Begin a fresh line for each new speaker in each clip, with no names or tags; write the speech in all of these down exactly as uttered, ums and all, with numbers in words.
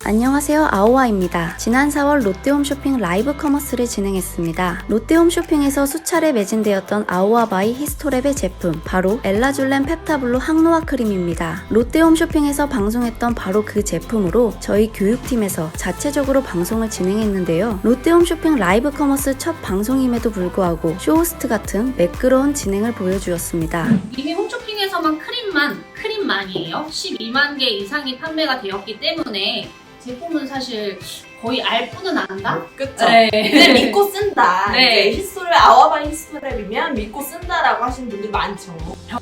안녕하세요, 아오아입니다. 지난 사월 롯데홈쇼핑 라이브 커머스를 진행했습니다. 롯데홈쇼핑에서 수차례 매진되었던 아오아바이 히스토랩의 제품, 바로 엘라줄렌 펩타블루 항노화 크림입니다. 롯데홈쇼핑에서 방송했던 바로 그 제품으로 저희 교육팀에서 자체적으로 방송을 진행했는데요. 롯데홈쇼핑 라이브 커머스 첫 방송임에도 불구하고 쇼호스트 같은 매끄러운 진행을 보여주었습니다.
이미 홈쇼핑에서만 크림만, 크림만이에요. 십이만 개 이상이 판매가 되었기 때문에 제품은 사실 거의 알뿐은 안다?
그쵸?
네.
근데 믿고 쓴다.
네.
이제 히스토랩, 아와바이 히스토랩이면 믿고 쓴다라고 하시는 분들 많죠.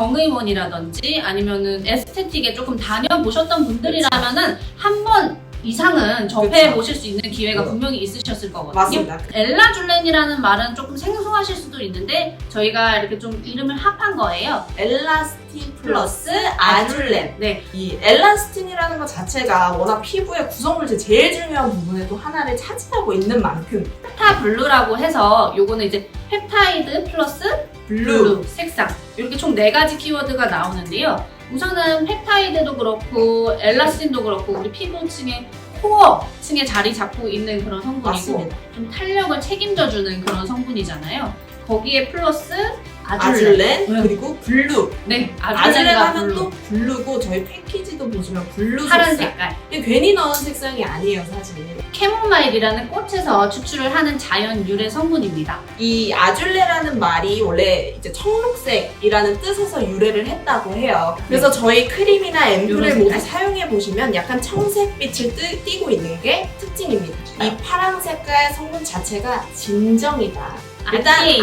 병의원이라든지 아니면은 에스테틱에 조금 다녀보셨던 분들이라면은 한 번 이상은 접해보실 수 있는 기회가 분명히 있으셨을 거거든요.
맞습니다.
엘라줄렌이라는 말은 조금 생소하실 수도 있는데 저희가 이렇게 좀 이름을 합한 거예요.
엘라스틴 플러스 아줄렌.
네.
이 엘라스틴이라는 것 자체가 워낙 피부의 구성물질 제일 중요한 부분의 또 하나를 차지하고 있는 만큼
펩타블루라고 해서 요거는 이제 펩타이드 플러스
블루.
블루 색상 이렇게 총 네 가지 키워드가 나오는데요. 우선은 펩타이드도 그렇고 엘라스틴도 그렇고 우리 피부층의 코어층에 자리 잡고 있는 그런 성분이고
맞습니다.
좀 탄력을 책임져주는 그런 성분이잖아요. 거기에 플러스 아줄렌,
아줄렌
네.
그리고 블루.
네,
아줄렌
아줄렌과
하면
블루
또 블루고 저희 패키지도 보시면 블루
파란
색상.
색깔.
이게 괜히 넣은 색상이 아니에요, 사실.
캐모마일이라는 꽃에서 추출을 하는 자연 유래 성분입니다.
이 아줄레라는 말이 원래 이제 청록색이라는 뜻에서 유래를 했다고 해요. 그래서 저희 크림이나 앰플을
요런
모두
색깔?
사용해 보시면 약간 청색빛을 뜨, 띠고 있는 게 특징입니다. 이 파란 색깔 성분 자체가 진정이다. 일단
안티에이징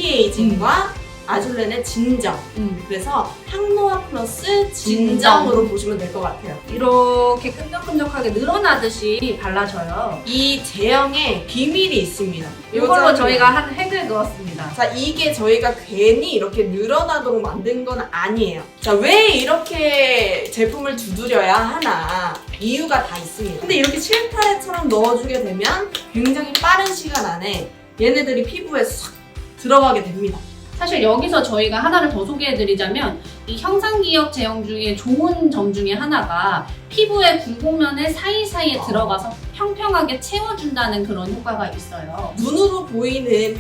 안티에이징과 아줄렌의 진정.
음.
그래서 항노화 플러스 진정으로 보시면 될 것 같아요.
이렇게 끈적끈적하게 늘어나듯이 발라줘요.
이 제형에 비밀이 있습니다.
이걸로
요점이-
저희가 한 획을 그었습니다.
자, 이게 저희가 괜히 이렇게 늘어나도록 만든 건 아니에요. 자, 왜 이렇게 제품을 두드려야 하나? 이유가 다 있습니다. 근데 이렇게 실타래처럼 넣어주게 되면 굉장히 빠른 시간 안에 얘네들이 피부에 싹 들어가게 됩니다.
사실 여기서 저희가 하나를 더 소개해드리자면 이 형상기억 제형 중에 좋은 점 중에 하나가 피부의 굴곡면에 사이사이에 들어가서 평평하게 채워준다는 그런 효과가 있어요.
눈으로 보이는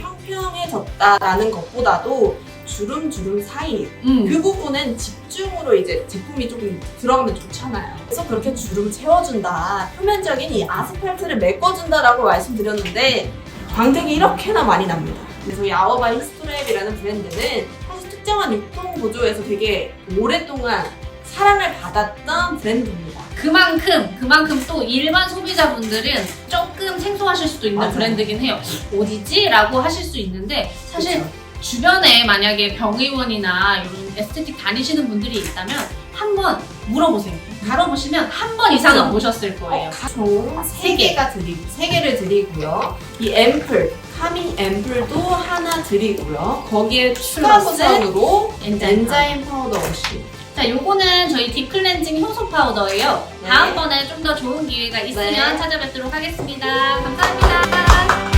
평평해졌다라는 것보다도 주름주름 사이
음.
그 부분은 집중으로 이제 제품이 조금 들어가면 좋잖아요. 그래서 그렇게 주름 채워준다. 표면적인 이 아스팔트를 메꿔준다라고 말씀드렸는데 광택이 이렇게나 많이 납니다. 그래서 이 아워바이 히스토랩이라는 브랜드는 사실 특정한 유통 구조에서 되게 오랫동안 사랑을 받았던 브랜드입니다.
그만큼 그만큼 또 일반 소비자분들은 조금 생소하실 수도 있는
맞아요.
브랜드긴 해요. 어디지? 라고 하실 수 있는데 사실
그쵸?
주변에 만약에 병의원이나 이런 에스테틱 다니시는 분들이 있다면 한번 물어보세요. 물어보시면 한 번 이상은
그쵸?
보셨을 거예요.
총세 개가 드리고 세 개를 드리고요. 이 앰플 카밍 앰플도 하나 드리고요. 거기에 추가
플러스
버전으로
엔자임
엔자임 파우더 없이.
자, 요거는 저희 딥 클렌징 효소 파우더예요.
네.
다음번에 좀 더 좋은 기회가 있으면
네.
찾아뵙도록 하겠습니다. 감사합니다.